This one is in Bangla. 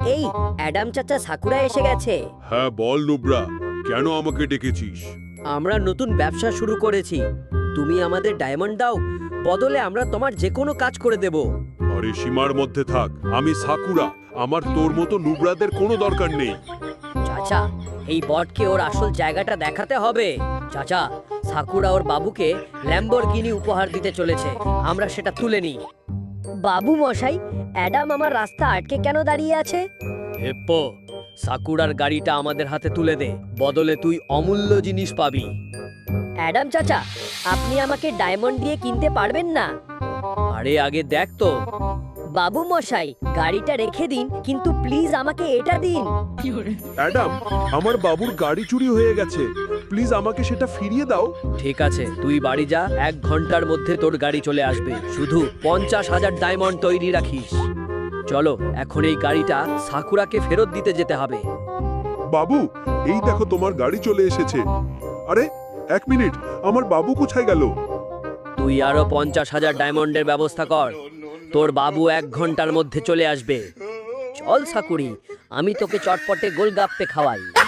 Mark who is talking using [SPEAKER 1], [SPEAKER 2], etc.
[SPEAKER 1] এই অ্যাডাম চাচা সাকুরা এসে গেছে।
[SPEAKER 2] হ্যাঁ বল নুব্রা, কেন আমাকে ডেকেছিস?
[SPEAKER 1] আমরা নতুন ব্যবসা শুরু করেছি, তুমি আমাদের ডায়মন্ড দাও, বদলে আমরা তোমার যে কোনো কাজ করে দেব।
[SPEAKER 2] আরে সীমার মধ্যে থাক, আমি সাকুরা, আমার তোর মতো নুব্রাদের কোনো দরকার নেই।
[SPEAKER 1] চাচা, এই বটকে ওর আসল জায়গাটা দেখাতে হবে। চাচা, সাকুরা ওর বাবুকে ল্যাম্বরগিনি উপহার দিতে চলেছে, আমরা সেটা তুলে নিই। বাবু মশাই, অ্যাডাম আমার রাস্তা আটকে কেন দাঁড়িয়ে আছে? হেপ্পো, সাকুরার গাড়িটা আমাদের হাতে তুলে দে, বদলে তুই অমূল্য জিনিস পাবি। অ্যাডাম চাচা, আপনি আমাকে ডায়মন্ড দিয়ে কিনতে পারবেন না? আরে আগে দেখ তো। বাবু মশাই, গাড়িটা রেখে দিন, কিন্তু প্লিজ আমাকে এটা দিন।
[SPEAKER 2] অ্যাডাম, আমার বাবুর গাড়ি চুরি হয়ে গেছে, প্লিজ আমাকে সেটা ফিরিয়ে দাও।
[SPEAKER 1] ঠিক আছে, তুই বাড়ি যা, 1 ঘন্টার মধ্যে তোর গাড়ি চলে আসবে, শুধু 50,000 ডায়মন্ড তৈরি রাখিস। চলো, এখন এই গাড়িটা সাকুরাকে ফেরত দিতে যেতে হবে।
[SPEAKER 2] বাবু, এই দেখো তোমার গাড়ি চলে এসেছে। আরে 1 মিনিট, আমার বাবু কোথায় গেল?
[SPEAKER 1] তুই আরো 50,000 ডায়মন্ডের ব্যবস্থা কর, তোর বাবু 1 ঘন্টার মধ্যে চলে আসবে। চল সাকুরি, আমি তোকে চটপটে গোলগাপ্পে খাওয়াই।